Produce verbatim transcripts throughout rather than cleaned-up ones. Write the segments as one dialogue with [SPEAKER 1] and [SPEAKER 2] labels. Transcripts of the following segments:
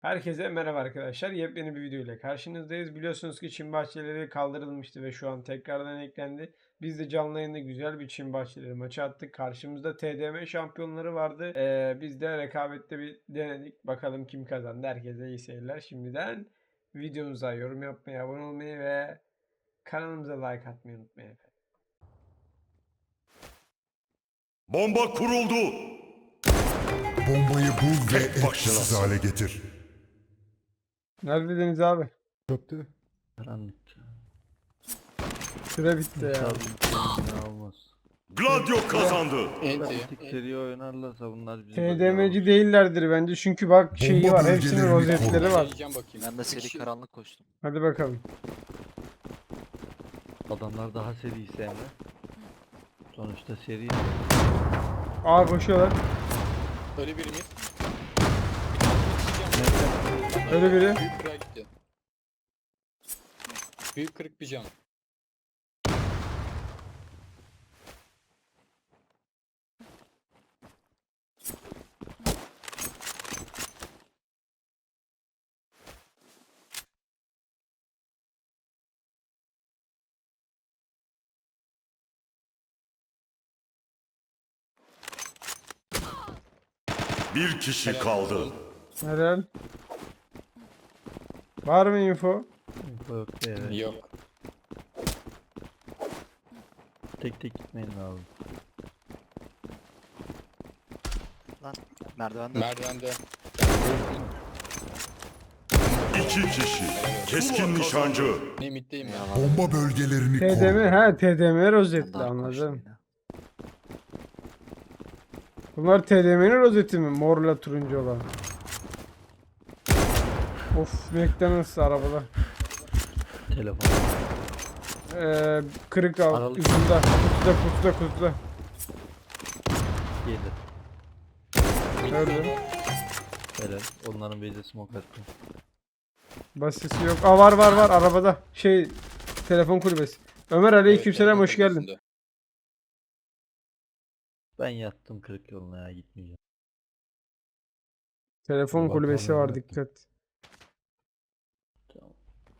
[SPEAKER 1] Herkese merhaba arkadaşlar. Yepyeni bir video ile karşınızdayız. Biliyorsunuz ki çim bahçeleri kaldırılmıştı ve şu an tekrardan eklendi. Biz de canlı yayında güzel bir çim bahçeleri maçı attık. Karşımızda T D M şampiyonları vardı. Ee, biz de rekabette bir denedik. Bakalım kim kazandı. Herkese iyi seyirler. Şimdiden videomuza yorum yapmayı, abone olmayı ve kanalımıza like atmayı unutmayın efendim.
[SPEAKER 2] Bomba kuruldu.
[SPEAKER 3] Bombayı bul ve
[SPEAKER 2] Tek
[SPEAKER 3] etkisiz
[SPEAKER 2] başınasın.
[SPEAKER 3] hale getir.
[SPEAKER 1] Neredediniz abi?
[SPEAKER 4] Çöktü.
[SPEAKER 5] Karanlık.
[SPEAKER 1] Süre bitti ya.
[SPEAKER 5] İnşallah olmaz.
[SPEAKER 2] Gladio kazandı.
[SPEAKER 5] Bir tık seri oynarlarsa bunlar bizi
[SPEAKER 1] T D M'ci değillerdir bence çünkü bak şeyi
[SPEAKER 3] Bomba
[SPEAKER 1] var. Hepsinin
[SPEAKER 3] bölgelerini
[SPEAKER 1] rozetleri
[SPEAKER 3] koru.
[SPEAKER 1] var.
[SPEAKER 6] Deneyeceğim bakayım.
[SPEAKER 7] Ben de seri
[SPEAKER 6] Kişi-
[SPEAKER 7] karanlık koştum.
[SPEAKER 1] Hadi bakalım.
[SPEAKER 5] Adamlar daha seri Emre. Sonuçta seri.
[SPEAKER 1] Aa koşuyorlar.
[SPEAKER 6] Öyle biri mi?
[SPEAKER 1] Öyle biri.
[SPEAKER 6] Büyük kırığa gitti. Büyük kırık bir cam.
[SPEAKER 2] Bir kişi kaldı.
[SPEAKER 1] Helal. Var mı info?
[SPEAKER 5] Info yok diye. Evet.
[SPEAKER 6] Yok.
[SPEAKER 5] Tek tek gitmeyin lazım.
[SPEAKER 7] Merdivende.
[SPEAKER 6] Merdivende.
[SPEAKER 2] İki kişi. Keskin nişancı.
[SPEAKER 6] Ne middeyim ya.
[SPEAKER 3] Bomba bölgelerini
[SPEAKER 1] T D M,
[SPEAKER 3] koru.
[SPEAKER 1] ha T D M
[SPEAKER 7] Ben
[SPEAKER 1] rozetli
[SPEAKER 7] daha koştum
[SPEAKER 1] anladım.
[SPEAKER 7] yine.
[SPEAKER 1] Bunlar T D M'nin rozeti mi? Morla turuncu olan. Of, McDonald's arabada.
[SPEAKER 5] Telefon.
[SPEAKER 1] Ee, kırık al.
[SPEAKER 5] Aralık.
[SPEAKER 1] Ucunda. Kutuda kutuda kutuda.
[SPEAKER 5] Yedi.
[SPEAKER 1] Öldü.
[SPEAKER 5] Helal. Onların base'e smoke attım.
[SPEAKER 1] Basisi yok. Aa var var var arabada. Şey telefon kulübesi. Ömer aleykümselam hoş geldin.
[SPEAKER 5] Ben yattım kırık yoluna ya gitmeyeceğim.
[SPEAKER 1] Telefon
[SPEAKER 4] Bak,
[SPEAKER 1] kulübesi
[SPEAKER 4] vallahi
[SPEAKER 1] var
[SPEAKER 4] bak.
[SPEAKER 1] dikkat.
[SPEAKER 5] Tamam.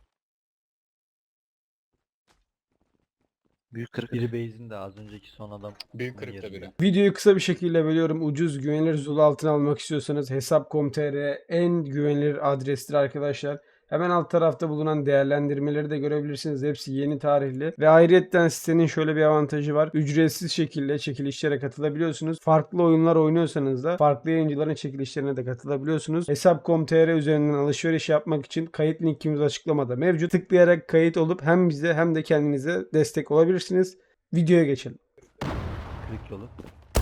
[SPEAKER 7] Büyük kırık.
[SPEAKER 5] Biri base'in de az önceki son adam.
[SPEAKER 6] Büyük kırıkta
[SPEAKER 5] yerinde.
[SPEAKER 6] biri.
[SPEAKER 1] Videoyu kısa bir şekilde bölüyorum. Ucuz, güvenilir Zulu altın almak istiyorsanız hesap nokta com nokta tr en güvenilir adrestir arkadaşlar. Hemen alt tarafta bulunan değerlendirmeleri de görebilirsiniz. Hepsi yeni tarihli. Ve ayrıyetten sitenin şöyle bir avantajı var. Ücretsiz şekilde çekilişlere katılabiliyorsunuz. Farklı oyunlar oynuyorsanız da farklı yayıncıların çekilişlerine de katılabiliyorsunuz. hesap nokta com nokta tr üzerinden alışveriş yapmak için kayıt linkimiz açıklamada mevcut. Tıklayarak kayıt olup hem bize hem de kendinize destek olabilirsiniz. Videoya geçelim.
[SPEAKER 5] Kırık yolu.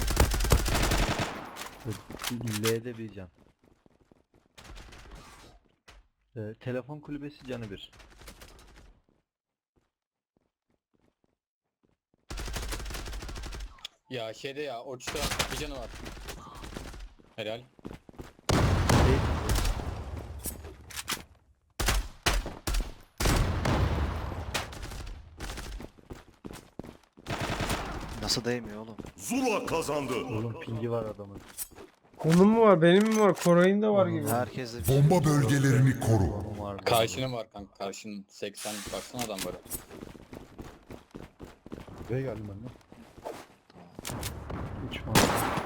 [SPEAKER 5] L'de bir can. Ee, telefon kulübesi canı bir.
[SPEAKER 6] Ya şeyde ya Orç'ta bir canı var. Helal.
[SPEAKER 7] Nasıl değmiyor oğlum?
[SPEAKER 2] Zula kazandı.
[SPEAKER 5] Oğlum pingi var adamın.
[SPEAKER 1] Onun mu var? Benim mi var? Koray'ın da var
[SPEAKER 5] Onun
[SPEAKER 1] gibi.
[SPEAKER 5] var.
[SPEAKER 7] Herkes de bir şey.
[SPEAKER 3] Bomba bölgelerini koru.
[SPEAKER 5] Onun var.
[SPEAKER 6] Karşının var kanka. Karşının seksen baksana adam var.
[SPEAKER 4] Buraya geldim ben de.
[SPEAKER 5] Üç var.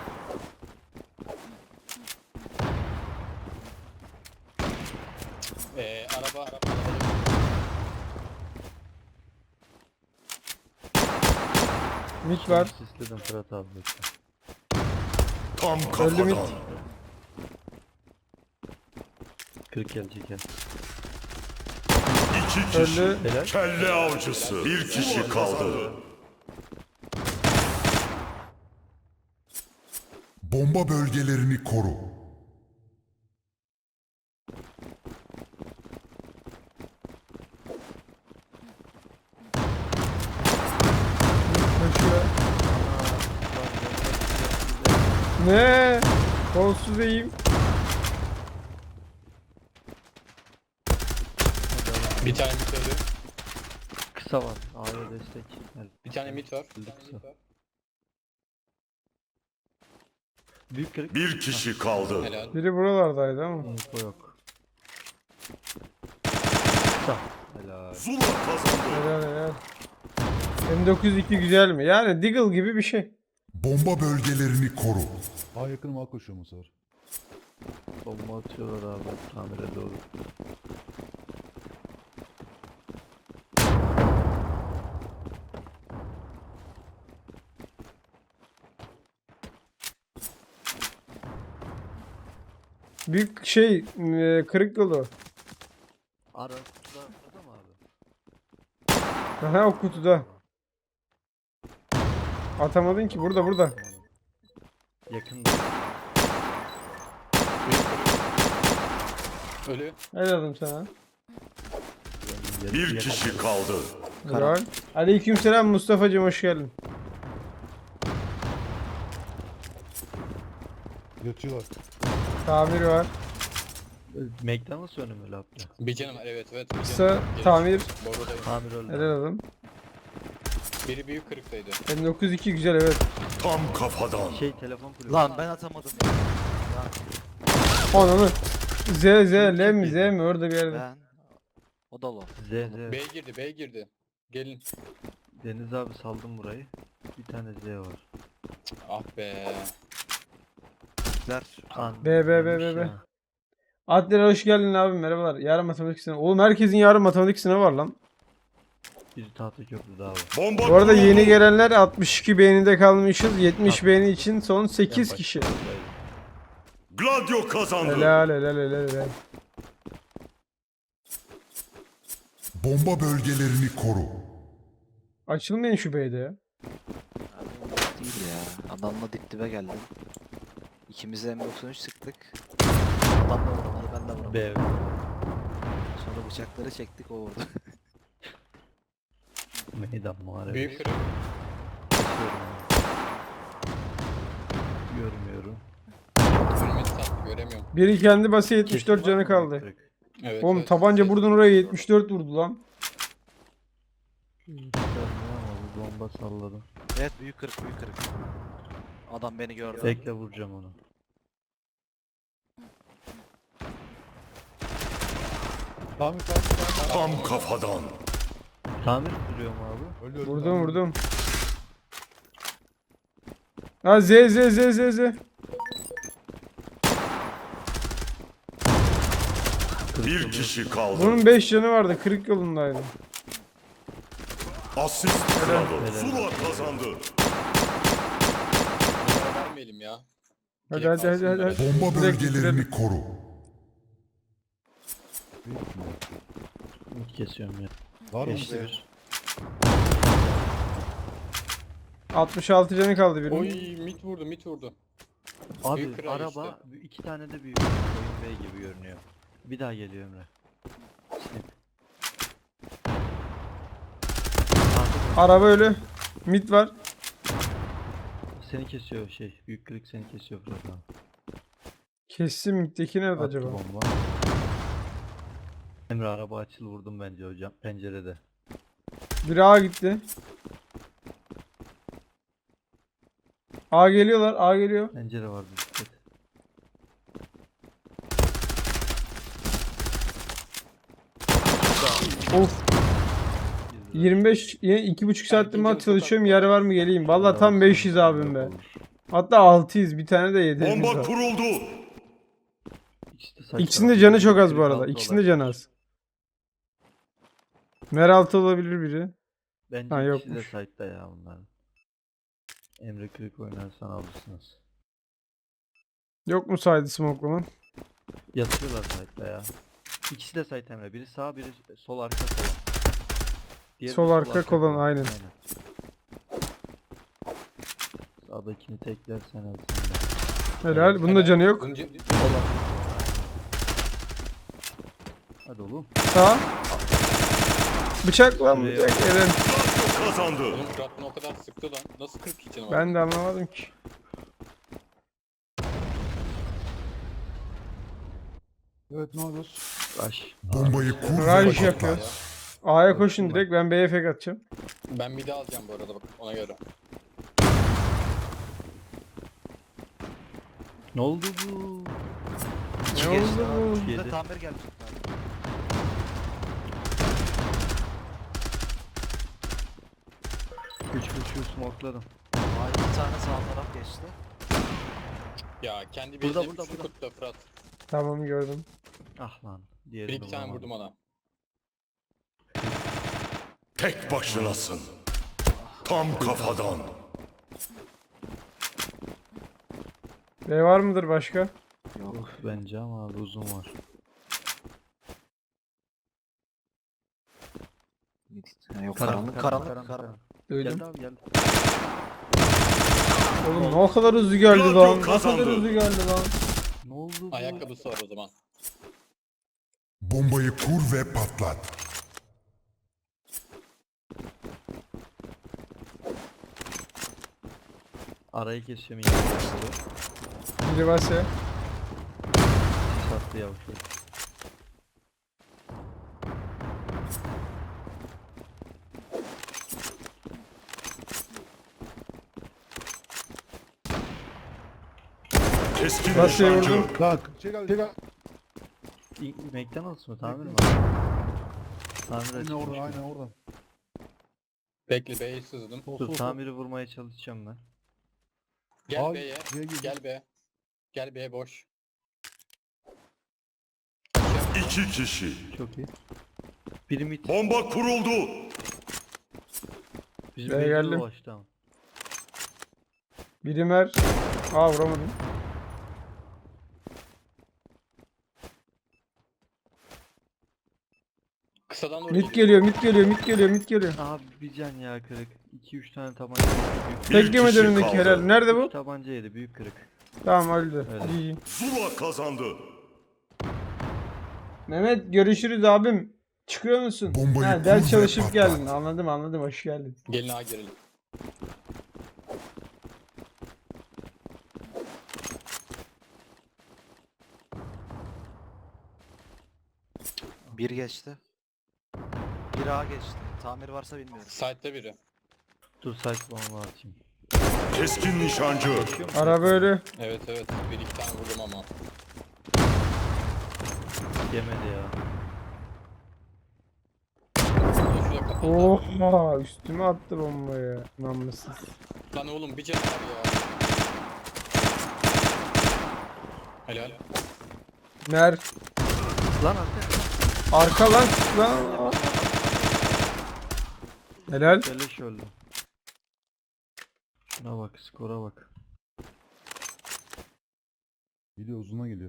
[SPEAKER 6] Ee, araba araba.
[SPEAKER 1] Mit var.
[SPEAKER 5] Sisledim Fırat abi. bekle.
[SPEAKER 2] Tam
[SPEAKER 1] Öldü mü?
[SPEAKER 2] kafadan.
[SPEAKER 5] Kırık gelecek ya.
[SPEAKER 2] İki kişi.
[SPEAKER 1] Öldü.
[SPEAKER 5] Helal.
[SPEAKER 2] Kelle avcısı. Bir kişi kaldı.
[SPEAKER 3] Bomba bölgelerini koru.
[SPEAKER 1] Koşuyor. Ne? Kolsuz eğim.
[SPEAKER 6] Bir tane mid öldü.
[SPEAKER 5] Kısa var. A'ya destek. Gel.
[SPEAKER 6] Bir tane mid var.
[SPEAKER 5] Öldü kısa. Büyük kırık.
[SPEAKER 2] Bir kişi kaldı.
[SPEAKER 6] Helal.
[SPEAKER 1] Biri buralardaydı ama.
[SPEAKER 5] Info yok.
[SPEAKER 2] Zula kazandı.
[SPEAKER 1] Helal helal. M dokuz yüz iki güzel mi? Yani Deagle gibi bir şey.
[SPEAKER 3] Bomba bölgelerini koru.
[SPEAKER 4] A yakınım A koşuyor bu sefer.
[SPEAKER 5] Bomba atıyorlar abi tamire doğru.
[SPEAKER 1] Büyük şey e, kırık yolu.
[SPEAKER 5] Ara kutuda burada mı abi?
[SPEAKER 1] Aha o kutuda. Atamadın ki burada burada.
[SPEAKER 5] Yakında.
[SPEAKER 6] Ölü.
[SPEAKER 1] Helal sana.
[SPEAKER 2] Bir kişi kaldı.
[SPEAKER 1] Helal. Aleykümselam Mustafa'cığım hoş geldin.
[SPEAKER 4] Yatıyorlar.
[SPEAKER 1] Tamir var.
[SPEAKER 5] McDonald's önümü laptı.
[SPEAKER 6] Bir canım var, evet evet. bir
[SPEAKER 1] Kısa
[SPEAKER 6] canım var. Geri
[SPEAKER 1] tamir.
[SPEAKER 6] çık. Borudayım.
[SPEAKER 5] Tamir öldü.
[SPEAKER 1] Helal oğlum.
[SPEAKER 6] Biri büyük kırıktaydı.
[SPEAKER 1] M dokuz yüz iki güzel evet.
[SPEAKER 2] Tam kafadan.
[SPEAKER 5] Şey telefon kulübü.
[SPEAKER 7] Lan ben atamadım.
[SPEAKER 1] Ananı. Z Z L mi Z mi orada bir yerde.
[SPEAKER 7] Ben. O da lo.
[SPEAKER 5] Z Z.
[SPEAKER 6] B girdi, B girdi. Gelin.
[SPEAKER 5] Deniz abi saldım burayı. Bir tane Z var.
[SPEAKER 6] Ah be.
[SPEAKER 7] Ver.
[SPEAKER 5] An
[SPEAKER 1] B, B, B, B,
[SPEAKER 5] ölmüş
[SPEAKER 1] B.
[SPEAKER 5] ya.
[SPEAKER 1] Adler hoş geldin abi merhabalar. Yarın matematik sınavı. Oğlum herkesin yarın matematik sınavı var lan.
[SPEAKER 5] Biri tahta köprüde abi.
[SPEAKER 2] Bomba
[SPEAKER 1] Bu arada
[SPEAKER 2] kuruldu.
[SPEAKER 1] yeni gelenler altmış iki beğenide kalmışız. yetmiş beğeni için son sekiz
[SPEAKER 5] Ben
[SPEAKER 1] kişi.
[SPEAKER 5] başlayayım.
[SPEAKER 2] Gladio kazandı.
[SPEAKER 1] Helal helal helal helal.
[SPEAKER 3] Bomba bölgelerini koru.
[SPEAKER 1] Açılmayın şu beyde ya.
[SPEAKER 7] Abi değil ya. Adamla dip dibe geldim. İkimiz de M doksan üç sıktık. Adam da vuramadı, ben de vuramadım.
[SPEAKER 5] B.
[SPEAKER 7] Sonra bıçakları çektik, o vurdu.
[SPEAKER 5] Meydan muharebe.
[SPEAKER 6] Büyük kırık.
[SPEAKER 5] Görmüyorum.
[SPEAKER 6] Önüme sat. Göremiyorum.
[SPEAKER 1] Biri kendi bası yetmiş dört
[SPEAKER 5] Kesin
[SPEAKER 1] canı
[SPEAKER 5] var mı?
[SPEAKER 1] kaldı.
[SPEAKER 5] Kırık.
[SPEAKER 6] Evet.
[SPEAKER 1] Oğlum
[SPEAKER 6] evet.
[SPEAKER 1] tabanca
[SPEAKER 6] Ses
[SPEAKER 1] buradan
[SPEAKER 6] var.
[SPEAKER 1] oraya yetmiş dört vurdu lan.
[SPEAKER 5] Görmüyorum ama bir bomba salladım.
[SPEAKER 7] Evet, büyük kırık, büyük kırık. Adam beni gördü.
[SPEAKER 5] Bekle vuracağım onu.
[SPEAKER 4] Tamir tamir tamir.
[SPEAKER 2] Tam kafadan.
[SPEAKER 5] Tamir kuruyorum abi.
[SPEAKER 4] Öldü öldü.
[SPEAKER 1] Vurdum
[SPEAKER 4] tamir.
[SPEAKER 1] vurdum. Ha Z Z Z Z Z.
[SPEAKER 2] Bir kişi kaldı.
[SPEAKER 1] Bunun beş canı vardı. Kırık yolundaydı.
[SPEAKER 2] Asist kralı. Zula kazandı.
[SPEAKER 6] Bunlara vermeyelim ya.
[SPEAKER 1] Hadi hadi hadi hadi. hadi.
[SPEAKER 3] Bomba
[SPEAKER 1] Direkt
[SPEAKER 3] bölgelerini
[SPEAKER 1] bitirelim.
[SPEAKER 3] koru.
[SPEAKER 5] Umut kesiyorum ya.
[SPEAKER 4] Var mı?
[SPEAKER 5] Geçti bir.
[SPEAKER 1] altmış altı canı kaldı birinin.
[SPEAKER 6] Oy mit vurdu, mit vurdu.
[SPEAKER 5] Abi
[SPEAKER 6] Büyük kral
[SPEAKER 5] araba iki tane de büyük oyun bey gibi görünüyor. Bir daha geliyor Emre. Snip.
[SPEAKER 1] Araba ölü. Mid var.
[SPEAKER 5] Seni kesiyor şey. Büyük kırık seni kesiyor Fırat abi.
[SPEAKER 1] Kessin middeki nerede
[SPEAKER 5] Attı
[SPEAKER 1] acaba?
[SPEAKER 5] bomba. Emre araba açıl vurdum bence hocam pencerede.
[SPEAKER 1] Biri A gitti. A geliyorlar. A geliyor.
[SPEAKER 5] Pencere vardı dikkat.
[SPEAKER 1] Of.
[SPEAKER 5] Girdi.
[SPEAKER 1] yirmi beş iki buçuk saattir
[SPEAKER 6] ikinci
[SPEAKER 1] mat
[SPEAKER 6] bu
[SPEAKER 1] çalışıyorum.
[SPEAKER 6] sokakta.
[SPEAKER 1] Yer var mı geleyim? Valla tam
[SPEAKER 5] Olsun,
[SPEAKER 1] beş yüz abim be.
[SPEAKER 5] olur.
[SPEAKER 1] Hatta altıyız. Bir tane de yedi.
[SPEAKER 2] Bomba kuruldu.
[SPEAKER 5] İkisi de saçma.
[SPEAKER 1] İkisinin de canı çok az bu
[SPEAKER 5] Kırık
[SPEAKER 1] arada.
[SPEAKER 5] altı
[SPEAKER 1] İkisinin de
[SPEAKER 5] olabilir.
[SPEAKER 1] canı az. Meraltı olabilir biri.
[SPEAKER 5] Bence
[SPEAKER 1] Ha,
[SPEAKER 5] ikisi de
[SPEAKER 1] yokmuş.
[SPEAKER 5] site'da ya bunların. Emre kırık oynarsan alırsınız.
[SPEAKER 1] Yok mu saydı smoke'laman?
[SPEAKER 5] Yatıyorlar site'da ya. İkisi de site Emre. Biri sağ biri sol arka kolon. Diğeri
[SPEAKER 1] Sol
[SPEAKER 5] de
[SPEAKER 1] arka kolon, aynen.
[SPEAKER 5] Sağdakini teklersen al sen de.
[SPEAKER 1] Helal. Bunda canı yok.
[SPEAKER 6] Bunun ce-
[SPEAKER 5] Hadi oğlum.
[SPEAKER 1] Sağ. Bıçak lan
[SPEAKER 5] Şuraya-
[SPEAKER 1] bıçak. Eren.
[SPEAKER 2] Gladio kazandı.
[SPEAKER 6] Oğlum Fırat bunu o kadar sıktı lan. Nasıl kırk iki canı var?
[SPEAKER 1] Ben de anlamadım ki.
[SPEAKER 4] Evet, ne yapıyoruz?
[SPEAKER 5] Rush.
[SPEAKER 3] Bombayı kur ve
[SPEAKER 1] Raj
[SPEAKER 3] patlat.
[SPEAKER 1] yapıyoruz. A'ya koşun direkt. Ben B'ye fake atacağım.
[SPEAKER 6] Ben bir de alacağım bu arada bak ona göre.
[SPEAKER 5] Ne oldu bu?
[SPEAKER 7] İki
[SPEAKER 1] Ne
[SPEAKER 7] geçti
[SPEAKER 1] oldu
[SPEAKER 7] abi.
[SPEAKER 1] bu?
[SPEAKER 7] Şurada
[SPEAKER 5] Yedi.
[SPEAKER 7] tamir gelmiş.
[SPEAKER 5] Şu smokladım.
[SPEAKER 7] Aa iki tane sağ taraf geçti.
[SPEAKER 6] Ya kendi
[SPEAKER 5] Burada,
[SPEAKER 6] bezlerini
[SPEAKER 5] burada,
[SPEAKER 6] şu
[SPEAKER 5] burada.
[SPEAKER 6] kutla Fırat.
[SPEAKER 1] Tamam gördüm.
[SPEAKER 5] Ah lan.
[SPEAKER 6] Bir
[SPEAKER 5] Diğerini
[SPEAKER 6] iki tane
[SPEAKER 5] vuramadım.
[SPEAKER 6] vurdum ona.
[SPEAKER 2] Tek başınasın. Tam kafadan.
[SPEAKER 1] B var mıdır başka?
[SPEAKER 7] Yok.
[SPEAKER 5] Bence ama abi uzun var.
[SPEAKER 7] Ha, yok karanlık karanlık karanlık.
[SPEAKER 1] Duydum.
[SPEAKER 5] Geldi abi geldi.
[SPEAKER 1] Oğlum ne kadar hızlı geldi
[SPEAKER 2] Gladio
[SPEAKER 1] lan. Ne kadar
[SPEAKER 2] kazandı.
[SPEAKER 1] hızlı geldi lan.
[SPEAKER 5] Ne oldu bu?
[SPEAKER 6] Ayakkabısı var o zaman.
[SPEAKER 3] Bombayı kur ve patlat.
[SPEAKER 5] Arayı kesiyorum yine.
[SPEAKER 1] Biri varsa.
[SPEAKER 5] Sattı yavşak.
[SPEAKER 2] Keskin
[SPEAKER 1] Nasıl
[SPEAKER 2] nişancı.
[SPEAKER 1] vurdun?
[SPEAKER 4] Bak. Şey geldi. Şey geldi.
[SPEAKER 5] İlk McDonald's mı? Tamir mi? Tamir
[SPEAKER 4] Aynen
[SPEAKER 5] açılmış.
[SPEAKER 4] oradan aynen oradan.
[SPEAKER 6] Bekle B'ye sızdım.
[SPEAKER 4] Sol,
[SPEAKER 5] Dur
[SPEAKER 4] sol, sol.
[SPEAKER 5] tamiri vurmaya çalışacağım ben.
[SPEAKER 6] Gel
[SPEAKER 4] Abi,
[SPEAKER 6] B'ye.
[SPEAKER 4] B'ye gir.
[SPEAKER 6] Gel B. Gel B boş.
[SPEAKER 2] İki kişi.
[SPEAKER 5] Çok iyi. Biri mid.
[SPEAKER 2] Bomba kuruldu.
[SPEAKER 5] Bizim
[SPEAKER 1] B'ye
[SPEAKER 5] belli
[SPEAKER 1] geldim.
[SPEAKER 5] dolaştı ama.
[SPEAKER 1] Biri mer. Aa vuramadım.
[SPEAKER 6] Kısadan doğru
[SPEAKER 1] Mid geliyor, mid geliyor, mid geliyor, mid geliyor.
[SPEAKER 5] Abi bir can ya kırık. iki üç tane tabanca yedi. Büyük,
[SPEAKER 2] Bir
[SPEAKER 1] Tek yemedi
[SPEAKER 2] kişi
[SPEAKER 1] önündeki
[SPEAKER 2] kaldı.
[SPEAKER 1] helal. Nerede bu?
[SPEAKER 5] üç tabanca yedi. Büyük kırık.
[SPEAKER 1] Tamam öldü.
[SPEAKER 5] Öyle.
[SPEAKER 1] İyi.
[SPEAKER 2] Zula kazandı.
[SPEAKER 1] Mehmet görüşürüz abim. Çıkıyor musun?
[SPEAKER 3] Bombayı
[SPEAKER 1] Ha,
[SPEAKER 3] kur
[SPEAKER 1] ders
[SPEAKER 3] ve
[SPEAKER 1] çalışıp
[SPEAKER 3] patlat.
[SPEAKER 1] geldin. Anladım anladım. Hoş geldin.
[SPEAKER 6] Gelin A girelim.
[SPEAKER 7] Bir geçti. Bir A geçti. Tamir varsa bilmiyorum.
[SPEAKER 6] Site'de biri.
[SPEAKER 5] Dur site bomba atayım.
[SPEAKER 2] Keskin nişancı.
[SPEAKER 1] Araba ölü.
[SPEAKER 6] Evet evet. Bir iki tane vurdum ama.
[SPEAKER 5] Yemedi ya.
[SPEAKER 6] Şuraya kapat.
[SPEAKER 1] Oha üstüme attı bombayı. Namussuz.
[SPEAKER 6] Lan oğlum bir canı var ya. Helal.
[SPEAKER 1] Mer.
[SPEAKER 5] Lan arka.
[SPEAKER 1] Arka lan. Lan. Helal.
[SPEAKER 5] Beleş öldü. Şuna bak skora bak.
[SPEAKER 4] Geliyor uzuna geliyor.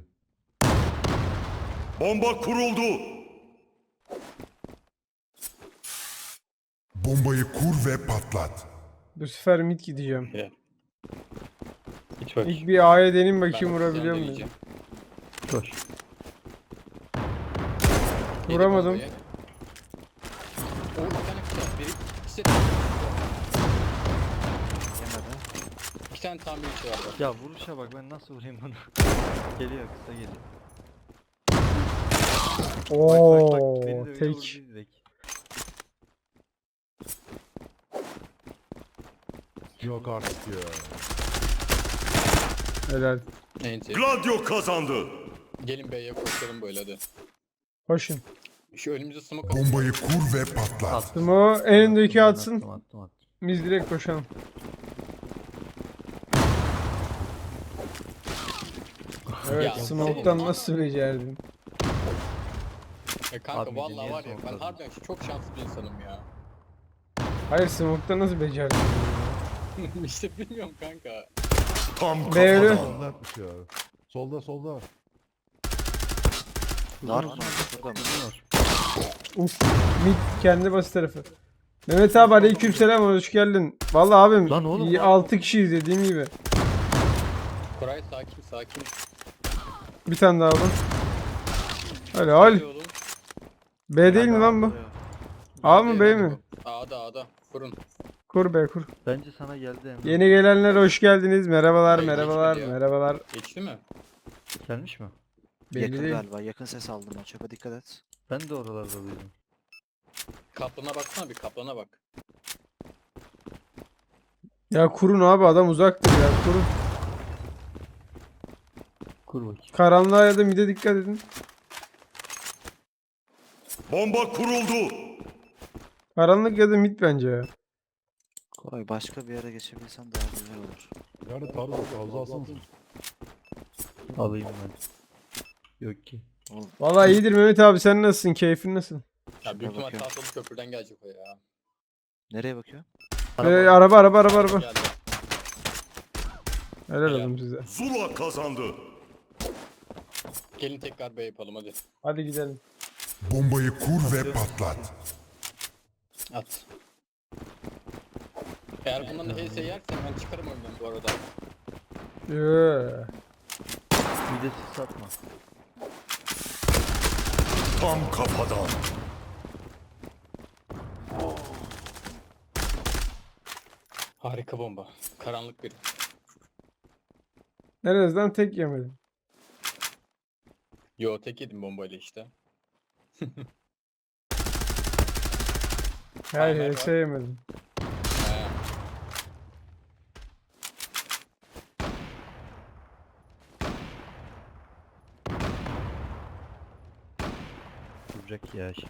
[SPEAKER 2] Bomba kuruldu.
[SPEAKER 3] Bombayı kur ve patlat.
[SPEAKER 1] Bu sefer mid gideceğim.
[SPEAKER 6] Helal. Hiç bak.
[SPEAKER 1] İlk bir A'ya deneyim
[SPEAKER 6] Ben
[SPEAKER 1] bakayım
[SPEAKER 6] bakacağım,
[SPEAKER 1] vurabiliyor muyum?
[SPEAKER 6] deneyeceğim.
[SPEAKER 5] Koş.
[SPEAKER 6] Yedi
[SPEAKER 1] Vuramadım.
[SPEAKER 6] bombayı. Oo bir tane kısa. Biri ikisi
[SPEAKER 7] Yemedi.
[SPEAKER 6] iki tane tamir içi var. bak.
[SPEAKER 5] Ya vuruşa bak ben nasıl vurayım bunu. Geliyor kısa geliyor.
[SPEAKER 1] Oo,
[SPEAKER 5] bak bak bak beni de öyle
[SPEAKER 1] tek.
[SPEAKER 5] vurdu direkt.
[SPEAKER 4] Yok artık ya.
[SPEAKER 1] Helal.
[SPEAKER 6] Neyse.
[SPEAKER 2] Gladio kazandı.
[SPEAKER 6] Gelin B'ye koşalım böyle hadi.
[SPEAKER 1] Koşun.
[SPEAKER 6] Şu önümüze smoke atın.
[SPEAKER 3] Bombayı kur ve patlat.
[SPEAKER 5] Attım.
[SPEAKER 1] Mo elindeki
[SPEAKER 5] Attım,
[SPEAKER 1] atsın.
[SPEAKER 5] Attım attım attım.
[SPEAKER 1] Biz direkt koşalım. Evet,
[SPEAKER 6] Ya,
[SPEAKER 1] smoke'tan
[SPEAKER 6] senin-
[SPEAKER 1] nasıl becerdin?
[SPEAKER 6] Ya kanka
[SPEAKER 5] Abi,
[SPEAKER 6] vallahi
[SPEAKER 5] niye
[SPEAKER 6] var ya ben
[SPEAKER 5] smoke'ladın?
[SPEAKER 6] harbiden çok şanslı bir insanım ya.
[SPEAKER 1] Hayır, smoke'tan nasıl becerdin?
[SPEAKER 6] işte bilmiyorum kanka.
[SPEAKER 2] Tam
[SPEAKER 1] Devre.
[SPEAKER 2] kafadan.
[SPEAKER 4] Solda atmış ya. Solda solda.
[SPEAKER 7] Dar mı? Burada mı?
[SPEAKER 1] Uf, mid kendi bas tarafı. Mehmet abi aleykümselam, hoş geldin. Vallahi abim
[SPEAKER 5] Lan oğlum,
[SPEAKER 1] iyi
[SPEAKER 5] lan.
[SPEAKER 1] altı kişiyiz dediğim gibi.
[SPEAKER 6] Koray sakin sakin.
[SPEAKER 1] Bir tane daha alın. Helal.
[SPEAKER 6] Hadi oğlum.
[SPEAKER 1] B değil mi lan bu? A mı B mi?
[SPEAKER 6] A'da A'da. Kurun.
[SPEAKER 1] Kur B kur.
[SPEAKER 5] Bence sana geldi Emre.
[SPEAKER 1] Yeni gelenler hoş geldiniz. Merhabalar,
[SPEAKER 6] Hayır,
[SPEAKER 1] merhabalar,
[SPEAKER 6] geçmedi ya.
[SPEAKER 1] merhabalar.
[SPEAKER 6] Geçti mi?
[SPEAKER 5] Gelmiş mi?
[SPEAKER 1] Belli
[SPEAKER 7] Yakın
[SPEAKER 1] değil.
[SPEAKER 7] galiba. Yakın ses aldım ben. Çöpe dikkat et.
[SPEAKER 5] Ben de oralarda duydum.
[SPEAKER 6] Kaplana baksana bir kaplana bak.
[SPEAKER 1] Ya kurun abi, adam uzaktır ya, kurun.
[SPEAKER 5] Kur bakayım.
[SPEAKER 1] Karanlığa ya da mide dikkat edin.
[SPEAKER 2] Bomba kuruldu.
[SPEAKER 1] Karanlık ya da mid bence ya.
[SPEAKER 7] Koray başka bir yere geçebilsen daha güzel olur.
[SPEAKER 4] Yani tarzı fazla alsanız.
[SPEAKER 5] Alayım ben. Yok ki.
[SPEAKER 7] Oğlum
[SPEAKER 1] Vallahi iyidir Mehmet abi, sen nasılsın? Keyfin nasıl?
[SPEAKER 6] Ya büyük ihtimal
[SPEAKER 7] bakıyorum.
[SPEAKER 6] tahtalı köprüden gelecek o ya.
[SPEAKER 7] nereye bakıyor?
[SPEAKER 1] Ee, araba araba araba araba.
[SPEAKER 6] Geldi.
[SPEAKER 1] Helal
[SPEAKER 6] Helal.
[SPEAKER 1] olsun size.
[SPEAKER 2] Zula kazandı.
[SPEAKER 6] Gelin tekrar B yapalım hadi.
[SPEAKER 1] Hadi gidelim.
[SPEAKER 3] Bombayı kur ve patlat.
[SPEAKER 6] At. Eğer bundan da H S yersen ben çıkarım oyundan bu arada.
[SPEAKER 1] Yoo.
[SPEAKER 5] Bir de siz satma.
[SPEAKER 2] Tam kafadan.
[SPEAKER 6] Harika bomba. Karanlık biri.
[SPEAKER 1] En azından tek yemedim.
[SPEAKER 6] Yo tek yedim bombayla işte.
[SPEAKER 1] Hayır
[SPEAKER 6] Aynen,
[SPEAKER 1] hiç şey yemedim.
[SPEAKER 6] He.
[SPEAKER 5] Duracak ya şimdi.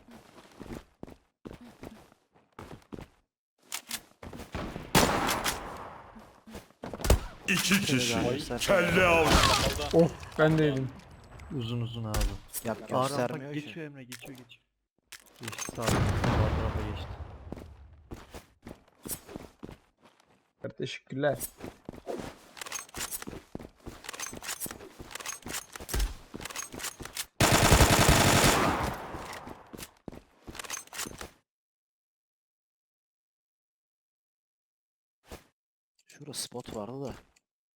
[SPEAKER 2] İki kişi.
[SPEAKER 7] daha göster.
[SPEAKER 2] Kelle avcı.
[SPEAKER 6] Kafalda.
[SPEAKER 1] Oh, ben de yedim.
[SPEAKER 5] Uzun uzun abi.
[SPEAKER 7] Ya
[SPEAKER 5] Aa, rampa
[SPEAKER 7] göstermiyor ki.
[SPEAKER 5] geçiyor Emre, geçiyor geçiyor. Geçti sağ sağ tarafa geçti.
[SPEAKER 1] Teşekkürler.
[SPEAKER 7] Şurada spot vardı da.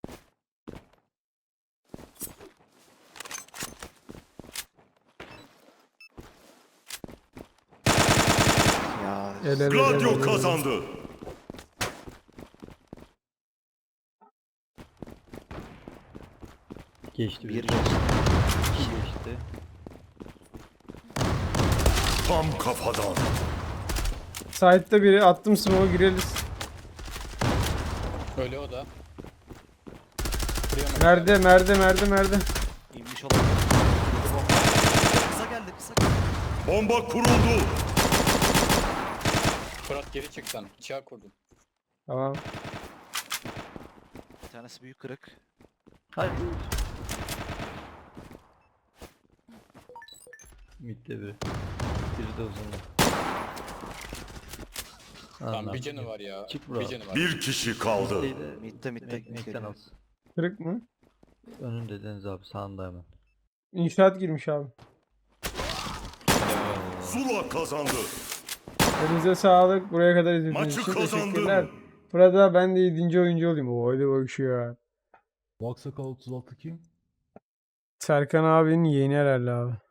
[SPEAKER 7] Ya
[SPEAKER 1] El ele
[SPEAKER 2] Gladio
[SPEAKER 1] ele.
[SPEAKER 2] kazandı.
[SPEAKER 5] Geçti
[SPEAKER 7] bir
[SPEAKER 5] bir.
[SPEAKER 7] geçti.
[SPEAKER 5] İki geçti.
[SPEAKER 2] Tam kafadan.
[SPEAKER 1] Site'da biri, attım smoke'a, gireriz.
[SPEAKER 6] Öyle o da. Buraya mı
[SPEAKER 1] Merde merde merde merde.
[SPEAKER 7] İnmiş olabilir. Yedi bomba. Kısa geldi kısa geldi.
[SPEAKER 2] Bomba kuruldu.
[SPEAKER 6] Fırat geri çık sen. Bıçağı kurdun.
[SPEAKER 1] Tamam.
[SPEAKER 7] Bir tanesi büyük kırık.
[SPEAKER 5] Hayır. Mid'de biri. Biri de uzun.
[SPEAKER 6] Tamam bir canı var ya.
[SPEAKER 5] Çık bro.
[SPEAKER 6] Bir canı var.
[SPEAKER 2] Bir kişi kaldı.
[SPEAKER 7] Mid'de mid'de
[SPEAKER 5] Mekten
[SPEAKER 7] geliyor.
[SPEAKER 5] alsın.
[SPEAKER 1] Kırık mı?
[SPEAKER 5] Önünde Deniz abi, sağında hemen.
[SPEAKER 1] İnşaat girmiş abi.
[SPEAKER 2] Zula kazandı.
[SPEAKER 1] Elinize sağlık. Buraya kadar izlediğiniz
[SPEAKER 2] Maçı
[SPEAKER 1] için
[SPEAKER 2] kazandın.
[SPEAKER 1] teşekkürler. Burada ben de yedinci oyuncu olayım. O hadi bak şu ya.
[SPEAKER 4] Vaksakal otuz altı kim?
[SPEAKER 1] Serkan abinin yeğeni herhalde abi.